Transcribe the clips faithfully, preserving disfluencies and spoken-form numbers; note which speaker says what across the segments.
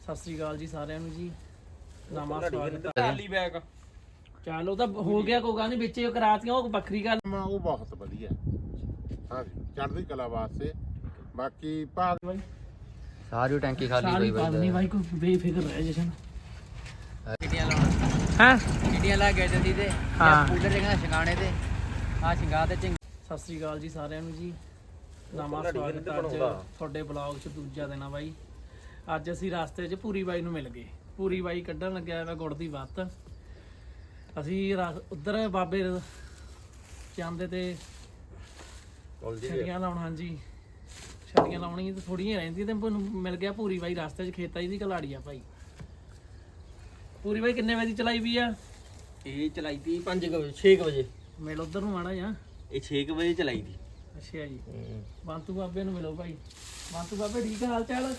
Speaker 1: ਸਤਿ ਸ੍ਰੀ ਅਕਾਲ ਜੀ ਸਾਰਿਆਂ ਨੂੰ ਜੀ। ਨਵਾਂ ਸਵਾਗਤ ਹੈ।
Speaker 2: ਟਰਾਲੀ ਬੈਗ
Speaker 1: ਚਲੋ ਤਾਂ ਹੋ ਗਿਆ ਕੋਈ ਗੱਲ ਨਹੀਂ, ਵਿੱਚ ਇਹ ਕਰਾਤੀਆਂ ਉਹ ਵੱਖਰੀ ਗੱਲ।
Speaker 3: ਉਹ ਬਹੁਤ ਵਧੀਆ ਹਾਂ ਚੜ੍ਹਦੀ ਕਲਾ ਵਾਸਤੇ। ਬਾਕੀ ਭਾਗ
Speaker 2: ਸਾਰੀ ਟੈਂਕੀ ਖਾਲੀ
Speaker 1: ਸਾਰੀ
Speaker 2: ਹੋਈ
Speaker 1: ਪਾਣੀ ਬਾਈ ਕੋਈ ਬੇਫਿਕਰ ਰਹਿ ਜਸ਼ਨ।
Speaker 2: ਕਿੱਡੀਆਂ ਲਾਉਣਾ
Speaker 1: ਹਾਂ
Speaker 2: ਕਿੱਡੀਆਂ ਲਾ ਕੇ ਜਲਦੀ ਤੇ
Speaker 1: ਹਾਂ।
Speaker 2: ਕੂਲਰ ਦੇਖਣਾ ਸ਼ਿੰਗਾਣੇ ਤੇ ਆ ਸ਼ਿੰਗਾ ਤੇ ਚੰਗ।
Speaker 1: ਸਤਿ ਸ੍ਰੀ ਅਕਾਲ ਜੀ ਸਾਰਿਆਂ ਨੂੰ ਜੀ। ਨਵਾਂ ਸਵਾਗਤ ਹੈ ਅੱਜ ਤੁਹਾਡੇ ਬਲੌਗ 'ਚ ਦੂਜਾ ਦਿਨ ਆ ਬਾਈ। ਅੱਜ ਅਸੀਂ ਰਸਤੇ 'ਚ ਪੂਰੀ ਬਾਈ ਨੂੰ ਮਿਲ ਗਏ। ਪੂਰੀ ਬਾਈ ਕੱਢਣ ਲੱਗਿਆ ਹੈਗਾ ਗੁੜ ਦੀ ਵੱਤ। ਅਸੀਂ ਉਧਰ ਬਾਬੇ ਜਾਂਦੇ ਤੇ ਛੜੀਆਂ ਲਾਉਣ, ਹਾਂਜੀ ਛੜੀਆਂ ਲਾਉਣੀ ਤੇ ਥੋੜੀਆਂ ਰਹਿੰਦੀਆਂ ਤੇ ਮੈਨੂੰ ਮਿਲ ਗਿਆ ਪੂਰੀ ਬਾਈ ਰਸਤੇ 'ਚ। ਖੇਤਾਂ ਦੀ ਕਲਾੜੀ ਆ ਭਾਈ। ਪੂਰੀ ਬਾਈ ਕਿੰਨੇ ਵਜੇ ਦੀ ਚਲਾਈ ਵੀ ਆ?
Speaker 2: ਇਹ ਚਲਾਈ ਤੀ ਪੰਜ ਵਜੇ ਛੇ ਵਜੇ।
Speaker 1: ਮਿਲ ਉਧਰ ਨੂੰ ਆਣਾ ਜਾਂ
Speaker 2: ਇਹ ਛੇ ਵਜੇ ਚਲਾਈ ਤੀ।
Speaker 1: ਅੱਛਾ ਜੀ। ਬੰਤੂ ਬਾਬੇ ਨੂੰ ਮਿਲੋ ਭਾਈ। ਬੰਤੂ ਬਾਬੇ ਠੀਕ ਆ, ਹਾਲ ਚਾਲ?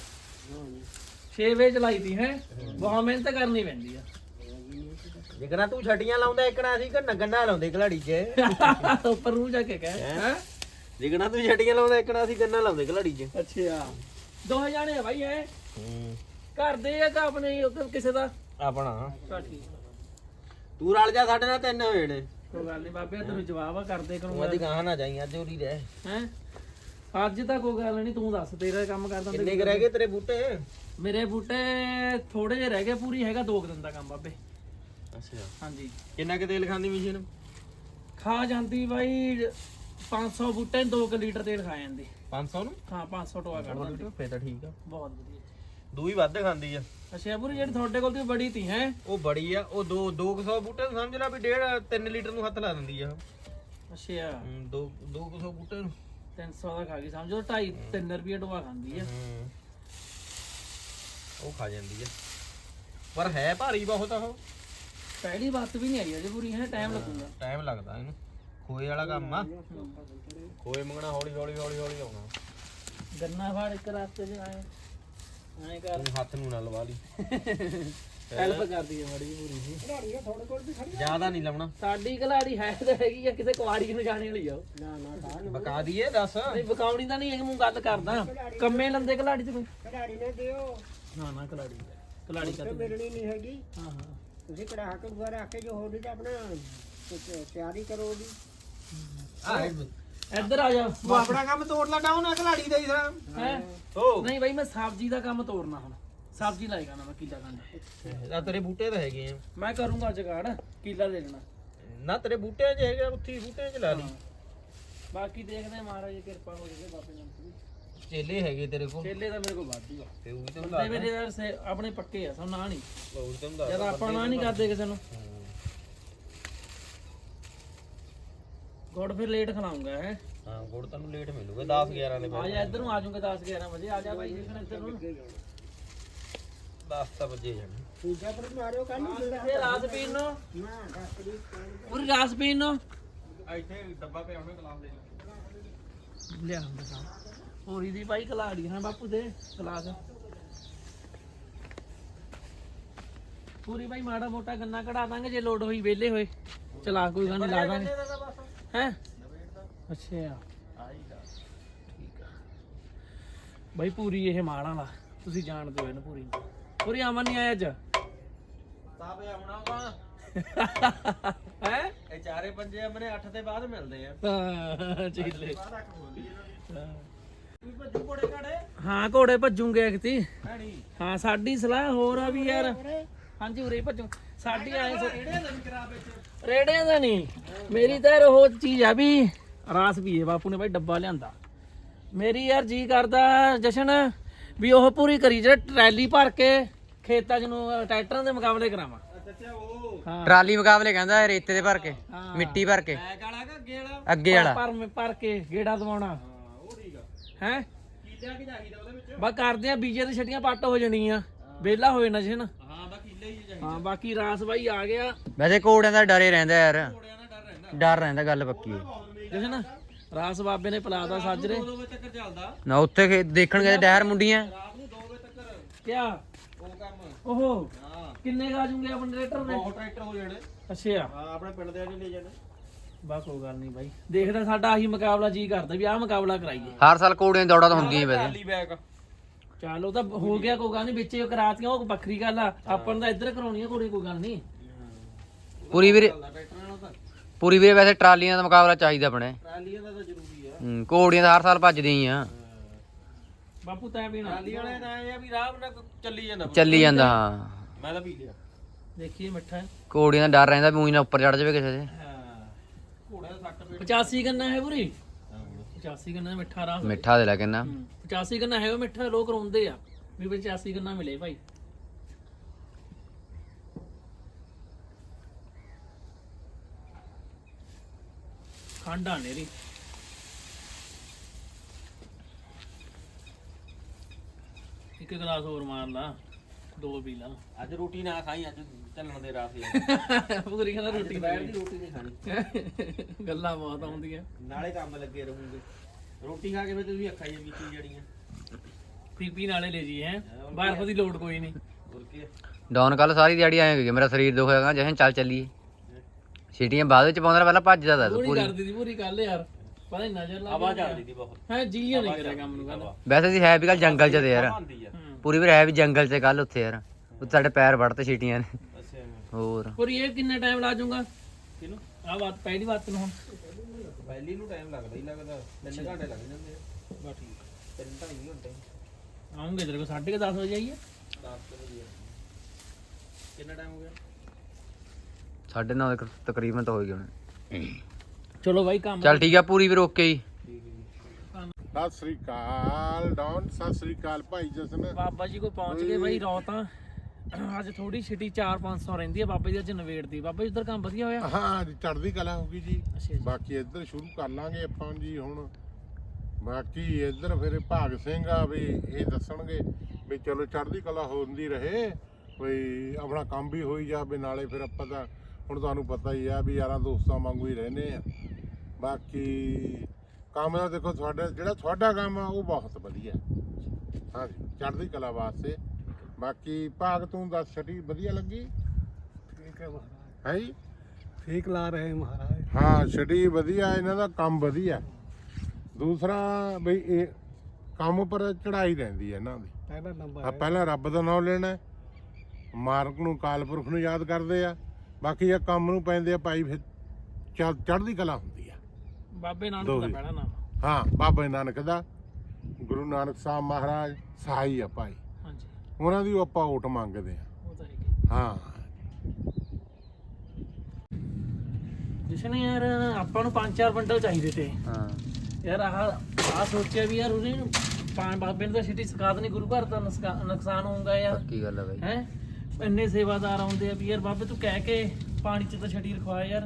Speaker 1: ਛੇ ਵਜੇ ਚਲਾਈ ਤੀ ਹੈ। ਬਹੁਤ ਮਿਹਨਤ ਕਰਨੀ ਪੈਂਦੀ ਆ।
Speaker 2: ਜਿਕਣਾ ਤੂੰ ਛੱਡੀਆਂ ਲਾਉਂਦਾ ਇੱਕਣਾ ਅਸੀਂ ਗੰਨਾ ਗੰਨਾ ਲਾਉਂਦੇ ਘਲਾੜੀ 'ਚ।
Speaker 1: ਉੱਪਰ ਨੂੰ ਜਾ ਕੇ ਕਹਿ ਹੈ।
Speaker 2: ਜਿਕਣਾ ਤੂੰ ਛੱਡੀਆਂ ਲਾਉਂਦਾ ਇੱਕਣਾ ਅਸੀਂ ਗੰਨਾ ਲਾਉਂਦੇ ਘਲਾੜੀ 'ਚ।
Speaker 1: ਅੱਛਾ ਦੋ ਜਾਣੇ ਆ ਭਾਈ ਹੈ। ਘਰ ਦੇ ਆ ਕਿ ਆਪਣੇ ਕਿਸੇ ਦਾ?
Speaker 2: ਆਪਣਾ
Speaker 1: ਠੀਕ।
Speaker 2: ਤੂੰ ਰਲ ਜਾ ਸਾਡੇ ਨਾਲ ਤਿੰਨ ਹੋਏ ਨੇ।
Speaker 1: ਕੋਈ ਗੱਲ ਨਹੀਂ ਬਾਬੇ, ਤੈਨੂੰ ਜਵਾਬ ਆ ਕਰਦੇ
Speaker 2: ਤੂੰ ਅਦੀ ਗਾਹ ਨਾ ਜਾਈ ਅੱਜ ਉਰੀ ਰਹਿ
Speaker 1: ਹੈ। ਅੱਜ ਤਾਂ ਕੋਈ ਗੱਲ ਨਹੀਂ, ਤੂੰ ਦੱਸ ਤੇਰਾ ਕੰਮ ਕਰਦਾ।
Speaker 2: ਕਿੰਨੇ ਕੁ ਰਹਿ ਗਏ ਤੇਰੇ ਬੂਟੇ?
Speaker 1: ਮੇਰੇ ਬੂਟੇ ਥੋੜੇ ਜਿਹੇ ਰਹਿ ਗਏ, ਪੂਰੀ ਹੈਗਾ ਦੋ ਕੁ ਦਿਨ ਦਾ ਕੰਮ ਬਾਬੇ।
Speaker 2: ਅੱਛਾ
Speaker 1: ਹਾਂਜੀ।
Speaker 2: ਕਿੰਨਾ ਕੁ ਤੇਲ ਖਾਂਦੀ ਮਸ਼ੀਨ?
Speaker 1: ਖਾ ਜਾਂਦੀ ਬਾਈ ਪੰਜ ਸੌ ਬੂਟੇ ਦੋ ਕੁ ਲੀਟਰ ਤੇਲ ਖਾ ਜਾਂਦੀ।
Speaker 2: ਪੰਜ ਸੌ ਨੂੰ?
Speaker 1: ਹਾਂ ਪੰਜ ਸੌ ਟੋਆ ਕੱਢ ਦਿੰਦੀ।
Speaker 2: ਫੇਰ ਤਾਂ ਠੀਕ ਆ,
Speaker 1: ਬਹੁਤ ਵਧੀਆ।
Speaker 2: ਦੂਈ ਵੱਧ ਖਾਂਦੀ ਆ।
Speaker 1: ਅੱਛਾ ਪੂਰੀ ਜਿਹੜੀ ਤੁਹਾਡੇ ਕੋਲ ਤੇ ਬੜੀ ਤੀ ਹੈ।
Speaker 2: ਉਹ ਬੜੀ ਆ, ਉਹ ਦੋ ਦੋ ਕੁ ਸੌ ਬੂਟੇ ਨੂੰ ਸਮਝ ਲੈ ਵੀ ਡੇਢ ਤਿੰਨ ਲੀਟਰ ਨੂੰ ਹੱਥ ਲਾ ਦਿੰਦੀ ਆ।
Speaker 1: ਅੱਛਾ
Speaker 2: ਹੂੰ, ਦੋ ਦੋ ਕੁ ਸੌ ਬੂਟੇ ਨੂੰ
Speaker 1: ਤਿੰਨ ਸੌ ਦਾ ਖਾ ਗਈ ਸਮਝੋ। ਢਾਈ ਤਿੰਨ ਰੁਪਏ ਟੋਆ ਖਾਂਦੀ ਆ।
Speaker 2: ਹੂੰ, ਉਹ ਖਾ ਜਾਂਦੀ ਆ, ਪਰ ਹੈ ਭਾਰੀ ਬਹੁਤ ਆ ਉਹ।
Speaker 1: ਪਹਿਲੀ ਬਾਤ ਵੀ ਨਹੀਂ ਆਈ ਅਜੇ ਪੂਰੀ ਹੈ, ਟਾਈਮ ਲੱਗੂਗਾ।
Speaker 2: ਟਾਈਮ ਲੱਗਦਾ ਇਹਨੂੰ, ਖੋਏ ਵਾਲਾ ਕੰਮ ਆ। ਖੋਏ ਮੰਗਣਾ ਹੌਲੀ ਹੌਲੀ ਹੌਲੀ ਹੌਲੀ ਆਉਣਾ।
Speaker 1: ਗੰਨਾ ਫਾੜ ਇੱਕ ਰਸਤੇ 'ਚ ਆਏ ਐਂ ਕਰ,
Speaker 2: ਤੂੰ ਹੱਥ ਨੂੰ ਨਾ ਲਵਾ ਲਈ।
Speaker 1: ਹੈਲਪ ਕਰਦੀ ਹੈ ਮਾੜੀ ਜਿਹੀ ਪੂਰੀ ਜੀ।
Speaker 2: ਜ਼ਿਆਦਾ ਨਹੀਂ ਲਾਉਣਾ।
Speaker 1: ਸਾਡੀ ਕਲਾੜੀ ਹੈ ਤਾਂ ਹੈਗੀ ਆ, ਕਿਸੇ ਕੁਆੜੀ ਨੂੰ ਜਾਣੇ ਵਾਲੀ ਆ ਉਹ। ਨਾ ਨਾ
Speaker 2: ਬਕਾ ਦਈਏ ਦੱਸ।
Speaker 1: ਨਹੀਂ ਬਕਾਉਣੀ ਤਾਂ ਨਹੀਂ ਹੈਗੀ, ਮੈਂ ਗੱਲ ਕਰਦਾ ਕੰਮੇ ਲੰਦੇ ਕਲਾੜੀ 'ਚ ਕੋਈ।
Speaker 4: ਕਢਾੜੀ ਨੇ ਦਿਓ
Speaker 1: ਨਾ ਨਾ ਕਲਾੜੀ ਕਲਾੜੀ ਕਾ
Speaker 4: ਮਿਲਣੀ ਨਹੀਂ ਹੈਗੀ।
Speaker 1: ਹਾਂ ਹਾਂ
Speaker 4: ਤੁਸੀਂ ਕਢਾ ਕੇ ਦੁਆਰਾ ਰੱਖ ਕੇ ਜੋ ਹੋਣੀ ਤਾਂ ਆਪਣਾ ਤਿਆਰੀ ਕਰੋ ਉਹਦੀ।
Speaker 2: ਆ
Speaker 1: ਇੱਧਰ ਆ ਜਾ।
Speaker 2: ਤੂੰ ਆਪਣਾ ਕੰਮ ਤੋੜ ਲਾ ਡਾਉਨ ਆ ਘਲਾੜੀ ਦਾ ਹੀ ਸਰ।
Speaker 1: ਹੈ
Speaker 2: ਓ
Speaker 1: ਨਹੀਂ ਬਾਈ, ਮੈਂ ਸਬਜ਼ੀ ਦਾ ਕੰਮ ਤੋੜਨਾ ਹੁਣ। ਸਬਜ਼ੀ ਲਾਏਗਾ ਨਾ ਮੈਂ ਕਿੱਲਾ ਖੰਡ।
Speaker 2: ਆ ਤੇਰੇ ਬੂਟੇ ਤਾਂ ਹੈਗੇ ਆ।
Speaker 1: ਮੈਂ ਕਰੂੰਗਾ ਜਗਾੜ, ਕਿੱਲਾ ਲੈ ਲੈਣਾ।
Speaker 2: ਨਾ ਤੇਰੇ ਬੂਟਿਆਂ 'ਚ ਹੈਗਾ, ਉੱਥੇ ਬੂਟਿਆਂ 'ਚ ਲਾ ਲਈ।
Speaker 1: ਬਾਕੀ ਦੇਖਦੇ ਆ, ਮਹਾਰਾਜ ਦੀ ਕਿਰਪਾ ਹੋ ਜਾਵੇ ਬਾਬੇ ਨਾਮ ਦੀ।
Speaker 2: ਚੇਲੇ ਹੈਗੇ ਤੇਰੇ ਕੋਲ?
Speaker 1: ਚੇਲੇ ਤਾਂ ਮੇਰੇ ਕੋਲ ਵਾਧੂ ਆ।
Speaker 2: ਤੇ ਉਹ ਵੀ ਤੈਨੂੰ
Speaker 1: ਬੰਦੇ ਮੇਰੇ ਯਾਰ ਸੇ- ਆਪਣੇ ਪੱਕੇ ਆ, ਸਭ ਨਾ ਨਹੀਂ।
Speaker 2: ਹੋਰ ਤੈਨੂੰ ਦੱਸ
Speaker 1: ਜਦ ਆਪਾਂ ਨਾ ਨਹੀਂ ਕਰਦੇ ਕਿਸੇ ਨੂੰ। ਗੁੜ ਫਿਰ ਲੇਟ ਖਲਾਉਂਗਾ ਹੈ।
Speaker 2: ਹਾਂ, ਗੁੜ ਤੈਨੂੰ ਲੇਟ ਮਿਲੂਗਾ ਦਸ ਗਿਆਰਾਂ ਦੇ
Speaker 1: ਆ ਜਾ ਇੱਧਰ ਨੂੰ, ਆ ਜਾਊਂਗਾ ਦਸ ਗਿਆਰਾਂ ਵਜੇ। ਆ ਜਾ ਬਾਈ ਦੇਖਣ ਇੱਧਰ ਨੂੰ।
Speaker 2: ਦਸ ਤਾਂ ਵਜੇ ਜਾਣੇ।
Speaker 4: ਦੂਜਾ ਪਰ ਮਾਰਿਓ ਕੱਲ ਨੂੰ ਜਿਹੜਾ
Speaker 1: ਇਹ ਰਾਸ ਪੀਣ ਨੂੰ,
Speaker 4: ਨਾ ਦਸ ਤਰੀਕ
Speaker 1: ਪੂਰੀ ਰਾਸ ਪੀਣ ਨੂੰ
Speaker 2: ਇੱਥੇ ਡੱਬਾ ਪਿਆ ਉਹਨੇ ਗਲਾਸ ਦੇ
Speaker 1: ਲਿਆ ਹੁੰਦਾ ਸਾਂ। ਹੋਰੀ ਦੀ ਬਾਈ ਕਲਾੜੀ ਹੈ ਬਾਪੂ ਦੇ ਕਲਾਸ। ਪੂਰੀ ਬਾਈ ਮਾੜਾ ਮੋਟਾ ਗੰਨਾ ਕਢਾ ਦਾਂਗੇ ਜੇ ਲੋਡ ਹੋਈ, ਵਿਹਲੇ ਹੋਏ ਚਲਾ ਕੋਈ ਗੱਲ ਨਹੀਂ ਲਾ ਦਾਂਗੇ ਹੈ। ਅੱਛਾ ਠੀਕ ਆ ਬਾਈ। ਪੂਰੀ ਇਹ ਮਾੜਾ ਵਾਲਾ ਤੁਸੀਂ ਜਾਣਦੇ ਹੋ ਇਹਨੂੰ। ਪੂਰੀ ਪੂਰੀ ਅਮਨ ਨਹੀਂ ਆਇਆ ਅੱਜ
Speaker 2: ਤਾਂ ਪਿਆ ਹੋਣਾ ਵਾ
Speaker 1: ਹੈ।
Speaker 2: ਇਹ ਚਾਰੇ ਪੰਜੇ ਅਮਨੇ ਅੱਠ ਦੇ ਬਾਅਦ ਮਿਲਦੇ ਆ।
Speaker 1: ਹਾਂ ਚੀਲੇ
Speaker 2: ਬਾਅਦ ਅੱਖ ਖੋਲੀ
Speaker 1: ਹਾਂ।
Speaker 2: ਤੂੰ ਭੱਜੂ ਘੋੜੇ ਘਾੜੇ
Speaker 1: ਹਾਂ ਘੋੜੇ ਭੱਜੂਗੇ ਕਿਤੇ।
Speaker 2: ਹੈਣੀ
Speaker 1: ਹਾਂ ਸਾਡੀ ਸਲਾਹ ਹੋਰ ਆ ਵੀ ਯਾਰ। ਹਾਂਜੀ ਉਰੇ ਭੱਜੂ ਸਾਡੀ ਆਏ
Speaker 2: ਕਿਹੜੇ ਦਿਨ ਕਰਾ ਵਿੱਚ
Speaker 1: ਰੇੜਿਆਂ ਦਾ ਨਹੀਂ। ਮੇਰੀ ਤਾਂ ਯਾਰ ਉਹ ਚੀਜ਼ ਆ ਵੀ ਰਾਸ ਪੀਏ। ਬਾਪੂ ਨੇ ਬਾਈ ਡੱਬਾ ਲਿਆਂਦਾ। ਮੇਰੀ ਯਾਰ ਜੀ ਕਰਦਾ ਜਸ਼ਨ ਵੀ ਉਹ ਪੂਰੀ ਕਰੀ ਜਿਹੜਾ ਟਰੈਲੀ ਭਰ ਕੇ ਖੇਤਾਂ 'ਚ ਨੂੰ ਟਰੈਕਟਰਾਂ ਦੇ ਮੁਕਾਬਲੇ ਕਰਾਵਾਂ।
Speaker 2: ਅੱਛਾ ਉਹ
Speaker 1: ਹਾਂ
Speaker 5: ਟਰਾਲੀ ਮੁਕਾਬਲੇ ਕਹਿੰਦਾ ਰੇਤੇ ਦੇ ਭਰ ਕੇ,
Speaker 1: ਹਾਂ।
Speaker 5: ਮਿੱਟੀ ਭਰ ਕੇ,
Speaker 2: ਬੈਕ ਵਾਲਾ ਕਿ ਅੱਗੇ ਵਾਲਾ?
Speaker 5: ਅੱਗੇ ਵਾਲਾ।
Speaker 1: ਭਰ ਭਰ ਕੇ ਗੇੜਾ ਦਵਾਉਣਾ
Speaker 2: ਹਾਂ ਉਹ ਠੀਕ ਆ।
Speaker 1: ਹੈ।
Speaker 2: ਕੀਲਿਆ ਕੀ ਚਾਹੀਦਾ ਉਹਦੇ ਵਿੱਚ?
Speaker 1: ਬਸ ਕਰਦੇ ਆ ਬੀਜੇ ਦੀ ਛਟੀਆਂ ਪੱਟ ਹੋ ਜਾਣੀਆਂ, ਵਿਹਲਾ ਹੋ ਜਾਣਾ ਜਸ਼ਨ।
Speaker 2: ਹਾਂ ਬਾ ਕੀਲੇ ਹੀ ਚਾਹੀਦਾ।
Speaker 1: ਹਾਂ ਬਾਕੀ ਰਾਸ ਬਾਈ ਆ ਗਿਆ।
Speaker 5: ਵੈਸੇ ਘੋੜਿਆਂ ਦਾ ਡਰੇ ਰਹਿੰਦਾ ਯਾਰ,
Speaker 2: ਘੋੜਿਆਂ ਦਾ ਡਰ ਰਹਿੰਦਾ।
Speaker 5: ਡਰ ਰਹਿੰਦਾ, ਗੱਲ ਪੱਕੀ ਹੈ।
Speaker 1: ਜਸ਼ਨ ਰਾਸ ਬਾਬੇ ਨੇ ਪਲਾਦਾ ਸਾਜਰੇ।
Speaker 2: ਦੋ ਵਜੇ ਤੱਕ ਚੱਲਦਾ
Speaker 5: ਨਾ ਉੱਥੇ ਖੇ- ਦੇਖਣ ਗਏ ਡਹਿਰ ਮੁੰਡੀਆਂ।
Speaker 2: ਰਾਤ ਨੂੰ ਦੋ ਵਜੇ ਤੱਕ
Speaker 1: ਕਿਆ
Speaker 2: ਉਹ ਕੰਮ।
Speaker 1: ਓਹੋ
Speaker 2: ਹਾਂ
Speaker 1: ਕਿੰਨੇ ਗਾ ਜੂਗੇ ਆਪਣੇ ਟਰੈਕਟਰ ਦੇ?
Speaker 2: ਬਹੁਤ ਟਰੈਕਟਰ ਹੋ ਜਾਣੇ।
Speaker 1: ਅੱਛਾ
Speaker 2: ਹਾਂ ਆਪਣੇ ਪਿੰਡ ਦੇ ਲੈ ਜਾਣੇ।
Speaker 1: ਬਸ ਕੋਈ ਗੱਲ ਨਹੀਂ ਬਾਈ, ਦੇਖਦਾ ਸਾਡਾ ਆਹੀ ਮੁਕਾਬਲਾ ਜੀ ਕਰਦਾ ਵੀ ਆਹ ਮੁਕਾਬਲਾ ਕਰਾਈਏ।
Speaker 5: ਹਰ ਸਾਲ ਘੋੜਿਆਂ ਦੀ ਦੌੜਾਂ ਤਾਂ ਹੁੰਦੀਆਂ ਹੀ ਵੈਸੇ।
Speaker 2: ਟਰਾਲੀ ਬੈਗ
Speaker 1: ਚੱਲ ਉਹ ਤਾਂ ਹੋ ਗਿਆ, ਕੋਈ ਗੱਲ ਨਹੀਂ, ਵਿੱਚ ਹੀ ਕਰਾਤੀਆਂ, ਉਹ ਵੱਖਰੀ ਗੱਲ ਆ। ਆਪਾਂ ਨੂੰ ਤਾਂ ਇੱਧਰ ਕਰਾਉਣੀ ਆ ਕੁੜੀ, ਕੋਈ ਗੱਲ ਨਹੀਂ।
Speaker 5: ਪੂਰੀ ਵੀਰੇ ਪੂਰੀ ਵੀਰੇ ਵੈਸੇ ਟਰਾਲੀਆਂ ਦਾ ਮੁਕਾਬਲਾ ਚਾਹੀਦਾ ਆਪਣੇ।
Speaker 2: ਟਰਾਲੀਆਂ ਦਾ ਤਾਂ ਜ਼ਰੂਰੀ ਆ।
Speaker 5: ਹੂੰ ਘੋੜੀਆਂ ਤਾਂ ਹਰ ਸਾਲ ਭੱਜਦੀਆਂ ਹੀ ਆ।
Speaker 1: ਬਾਪੂ ਤੈਂ ਪੀਣਾ?
Speaker 2: ਟਰਾਲੀ ਵਾਲੇ ਦਾ ਇਹ ਆ ਵੀ ਰਾਹ ਨਾਲ ਚੱਲੀ ਜਾਂਦਾ।
Speaker 5: ਚੱਲੀ ਜਾਂਦਾ ਹਾਂ।
Speaker 2: ਮੈਂ ਤਾਂ ਪੀ ਲਿਆ।
Speaker 1: ਦੇਖੀਏ ਮਿੱਠਾ ਹੈ।
Speaker 5: ਘੋੜੀਆਂ ਦਾ ਡਰ ਰਹਿੰਦਾ ਵੀ ਊਂ ਨਾ ਉੱਪਰ ਚੜ ਜਾਵੇ ਕਿਸੇ ਦੇ।
Speaker 2: ਹਾਂ ਘੋੜੇ ਦਾ ਸੱਟ ਪੇਟ।
Speaker 1: ਪਚਾਸੀ ਗੰਨਾ ਹੈ ਪੂਰੀ, ਪਚਾਸੀ ਗੰਨਾ ਮਿੱਠਾ ਰਾਹ।
Speaker 5: ਮਿੱਠਾ ਦੇ ਲੈ ਕਿੰਨਾ
Speaker 1: ਪਚਾਸੀ ਗੰਨਾ ਹੈ ਉਹ ਮਿੱਠਾ, ਲੋਕ ਰੋਂਦੇ ਆ ਵੀ ਪਚਾਸੀ ਗੰਨਾ ਮਿਲੇ ਭਾਈ। ਖਾਂਡਾ ਨੇਰੀ ਇੱਕ ਗਲਾਸ ਹੋਰ ਮਾਰ ਲਾ, ਦੋ ਪੀ ਲਾ।
Speaker 2: ਅੱਜ ਰੋਟੀ ਨਾ ਖਾਈ, ਅੱਜ ਚੱਲਣ ਦੇ ਰਾਹ ਤੇ
Speaker 1: ਪੂਰੀ ਕਹਿੰਦਾ ਰੋਟੀ
Speaker 2: ਦੁਪਹਿਰ ਦੀ ਰੋਟੀ ਨਹੀਂ ਖਾਣੀ।
Speaker 1: ਗੱਲਾਂ ਬਹੁਤ ਆਉਂਦੀਆਂ।
Speaker 2: ਨਾਲੇ ਕੰਮ ਲੱਗੇ ਰਹੂਗੇ, ਰੋਟੀ ਖਾ ਕੇ ਫਿਰ ਤੁਸੀਂ ਅੱਖਾਂ ਜਿਹੀਆਂ ਵਿੱਚ ਜੜੀਆਂ।
Speaker 1: ਪੀਪੀ ਨਾਲੇ ਲੈ ਜੀ ਹੈ, ਬਰਫ ਦੀ ਲੋੜ ਕੋਈ ਨਹੀਂ।
Speaker 2: ਹੋਰ ਕੀ
Speaker 5: ਡਾਊਨ ਕੱਲ ਸਾਰੀ ਦਿਹਾੜੀ ਆਏ ਗਏ, ਮੇਰਾ ਸਰੀਰ ਦੁਖ ਹੋਇਆ, ਜਸ਼ਨ ਚੱਲ ਚੱਲੀਏ। ਸੀਟੀਆਂ ਬਾਅਦ ਵਿੱਚ ਪਾਉਂਦਾ, ਪਹਿਲਾਂ ਭੱਜਦਾ ਤਾ
Speaker 1: ਪੂਰੀ
Speaker 5: ਪੂਰੀ।
Speaker 1: ਕਰਦੀ ਦੀ ਪੂਰੀ ਕੱਲ ਯਾਰ, ਪਤਾ ਨਹੀਂ ਨਜ਼ਰ ਲਾ
Speaker 2: ਆਵਾਜ਼ ਆਉਂਦੀ ਸੀ ਬਹੁਤ।
Speaker 1: ਹੈ ਜੀ ਨਹੀਂ ਕਰਿਆ ਕੰਮ ਨੂੰ ਕੱਲ।
Speaker 5: ਵੈਸੇ ਸੀ ਹੈ ਵੀ ਕੱਲ ਜੰਗਲ ਚ ਤੇ ਯਾਰ,
Speaker 2: ਆਉਂਦੀ ਆ।
Speaker 5: ਪੂਰੀ ਵੀਰ ਹੈ ਵੀ ਜੰਗਲ ਚ ਕੱਲ ਉੱਥੇ ਯਾਰ, ਉੱਥੇ ਸਾਡੇ ਪੈਰ ਵੜਤੇ ਸੀਟੀਆਂ ਨੇ।
Speaker 2: ਅੱਛਾ
Speaker 5: ਹੋਰ
Speaker 1: ਪੂਰੀ ਇਹ ਕਿੰਨਾ ਟਾਈਮ ਲਾ ਜਾਊਗਾ?
Speaker 2: ਕਿਨੂੰ
Speaker 1: ਆ ਬਾਤ ਪਹਿਲੀ ਬਾਤ ਨੂੰ ਹੁਣ
Speaker 2: ਪਹਿਲੀ ਨੂੰ ਟਾਈਮ ਲੱਗਦਾ ਹੀ ਲੱਗਦਾ, ਤਿੰਨ ਘੰਟੇ ਲੱਗ ਜਾਂਦੇ ਆ।
Speaker 1: ਬਸ ਠੀਕ
Speaker 2: ਤਿੰਨ ਢਾਈ ਘੰਟੇ
Speaker 1: ਆਉਂਗੇ ਤੇਰੇ ਕੋਲ ਸਾਢੇ ਦਸ ਵਜੇ ਆਈਏ।
Speaker 2: ਦਸ ਵਜੇ। ਕਿੰਨਾ ਟਾਈਮ ਹੋ ਗਿਆ?
Speaker 5: ਸਾਢੇ ਨੌ ਦੇ ਤਕਰੀਬਨ ਤਾਂ ਹੋ ਗਏ ਹੁਣ।
Speaker 1: ਚਲੋ ਬਾਈ ਕੰਮ
Speaker 5: ਚੱਲ ਠੀਕ ਆ ਪੂਰੀ ਵੀਰ ਓਕੇ ਜੀ।
Speaker 3: ਸਤਿ ਸ੍ਰੀ ਅਕਾਲ ਡੌਨ, ਸਤਿ ਸ੍ਰੀ ਅਕਾਲ ਭਾਈ ਜਸਨ।
Speaker 1: ਬਾਬਾ ਜੀ ਕੋਲ ਪਹੁੰਚ ਗਏ ਬਾਈ। ਰੌਤਾਂ ਅੱਜ ਥੋੜੀ ਛਿੱਟੀ ਚਾਰ ਪੰਜ ਸੌ ਰਹਿੰਦੀ ਆ ਬਾਬਾ ਜੀ ਅੱਜ ਨਵੇੜਦੀ। ਬਾਬਾ ਜੀ ਉਧਰ ਕੰਮ ਵਧੀਆ ਹੋਇਆ?
Speaker 3: ਹਾਂ ਜੀ ਚੜ੍ਹਦੀ ਕਲਾ ਹੋ ਗਈ ਜੀ।
Speaker 1: ਅੱਛਾ ਜੀ।
Speaker 3: ਬਾਕੀ ਇੱਧਰ ਸ਼ੁਰੂ ਕਰ ਲਾਂਗੇ ਆਪਾਂ ਜੀ ਹੁਣ। ਬਾਕੀ ਇੱਧਰ ਫਿਰ ਭਾਗ ਸਿੰਘ ਆ ਵੀ ਇਹ ਦੱਸਣਗੇ ਵੀ ਚਲੋ ਚੜ੍ਹਦੀ ਕਲਾ ਹੁੰਦੀ ਰਹੇ, ਕੋਈ ਆਪਣਾ ਕੰਮ ਵੀ ਹੋਈ ਜਾਵੇ, ਨਾਲੇ ਫਿਰ ਆਪਾਂ ਤਾਂ ਹੁਣ ਤੁਹਾਨੂੰ ਪਤਾ ਹੀ ਆ ਵੀ ਯਾਰਾਂ ਦੋਸਤਾਂ ਵਾਂਗੂ ਹੀ ਰਹਿੰਦੇ ਆ। ਬਾਕੀ ਕੰਮ ਦਾ ਦੇਖੋ ਤੁਹਾਡਾ ਜਿਹੜਾ ਤੁਹਾਡਾ ਕੰਮ ਆ ਉਹ ਬਹੁਤ ਵਧੀਆ ਹਾਂਜੀ, ਚੜ੍ਹਦੀ ਕਲਾ ਵਾਸਤੇ। ਬਾਕੀ ਭਾਗ ਤੂੰ ਦੱਸ, ਛਟੀ ਵਧੀਆ ਲੱਗੀ?
Speaker 4: ਠੀਕ ਹੈ ਮਹਾਰਾਜ,
Speaker 3: ਹੈ ਜੀ
Speaker 4: ਠੀਕ ਲਾ ਰਹੇ ਮਹਾਰਾਜ।
Speaker 3: ਹਾਂ ਛਟੀ ਵਧੀਆ, ਇਹਨਾਂ ਦਾ ਕੰਮ ਵਧੀਆ। ਦੂਸਰਾ ਬਈ ਇਹ ਕੰਮ ਪਰ ਚੜਾਈ ਰਹਿੰਦੀ ਹੈ ਇਹਨਾਂ ਦੀ।
Speaker 4: ਪਹਿਲਾ ਨੰਬਰ
Speaker 3: ਆ ਪਹਿਲਾਂ ਰੱਬ ਦਾ ਨਾਮ ਲੈਣਾ, ਮਾਲਕ ਨੂੰ ਕਾਲਪੁਰਖ ਨੂੰ ਯਾਦ ਕਰਦੇ ਆ, ਬਾਕੀ ਇਹ ਕੰਮ ਨੂੰ ਪੈਂਦੇ ਆ ਭਾਈ, ਫਿਰ ਚੜ੍ਹ ਚੜ੍ਹਦੀ ਕਲਾ ਹੁੰਦੀ ਆ।
Speaker 1: ਬਾਬੇ ਨਾਨਕ ਦਾ
Speaker 3: ਦੋਹੇ।
Speaker 1: ਪਹਿਲਾ ਨਾਮ।
Speaker 3: ਹਾਂ ਬਾਬਾ ਨਾਨਕ ਦਾ, ਗੁਰੂ ਨਾਨਕ ਸਾਹਿਬ ਮਹਾਰਾਜ ਸਹਾਈ ਆ ਭਾਈ,
Speaker 1: ਹਾਂਜੀ
Speaker 3: ਉਹਨਾਂ ਦੀ ਉਹ ਆਪਾਂ ਓਟ ਮੰਗਦੇ ਆ।
Speaker 1: ਉਹ ਤਾਂ ਹੈਗੀ।
Speaker 3: ਹਾਂ
Speaker 1: ਜਸ਼ਨ ਯਾਰ ਆਪਾਂ ਨੂੰ ਪੰਜ ਚਾਰ ਬੰਡਲ ਚਾਹੀਦੇ ਤੇ
Speaker 5: ਹਾਂ
Speaker 1: ਯਾਰ। ਆਹ ਆਹ ਸੋਚਿਆ ਵੀ ਯਾਰ ਉਹਨੇ ਪੰਜ ਬਾਬੇ ਨੂੰ ਤਾਂ ਛਿੱਟੀ ਸਿਖਾ ਦੇਣੀ, ਗੁਰੂ ਘਰ ਦਾ ਨੁਕਸਾ- ਨੁਕਸਾਨ ਹੋਊਗਾ ਯਾਰ।
Speaker 5: ਪੱਕੀ ਗੱਲ ਆ ਬਾਈ।
Speaker 1: ਹੈ ਇੰਨੇ ਸੇਵਾਦਾਰ ਆਉਂਦੇ ਆ ਵੀ ਯਾਰ ਬਾਬੇ ਤੂੰ ਕਹਿ ਕੇ ਪਾਣੀ ਚ ਤਾਂ ਛੱਡੀ ਰਖਵਾ ਯਾਰ।